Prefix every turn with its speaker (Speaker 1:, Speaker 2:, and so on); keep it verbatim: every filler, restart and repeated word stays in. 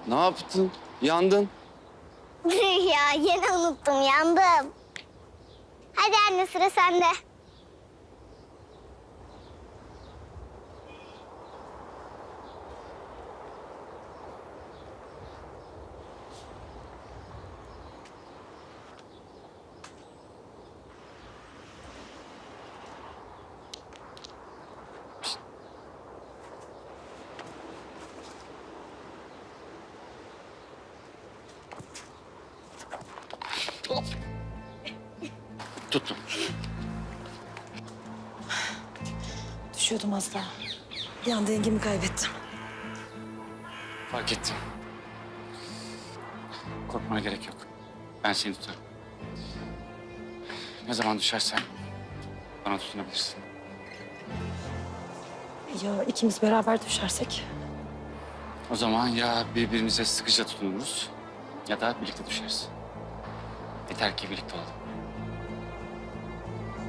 Speaker 1: Ne yaptın? Yandın.
Speaker 2: Ya yine unuttum, yandım. Hadi anne, sıra sende.
Speaker 1: Tuttum.
Speaker 3: Düşüyordum az daha. Bir anda dengemi kaybettim.
Speaker 1: Fark ettim. Korkmana gerek yok. Ben seni tutarım. Ne zaman düşersen bana tutunabilirsin.
Speaker 3: Ya ikimiz beraber düşersek?
Speaker 1: O zaman ya birbirimize sıkıca tutunuruz ya da birlikte düşeriz. Yeter ki birlikte olalım.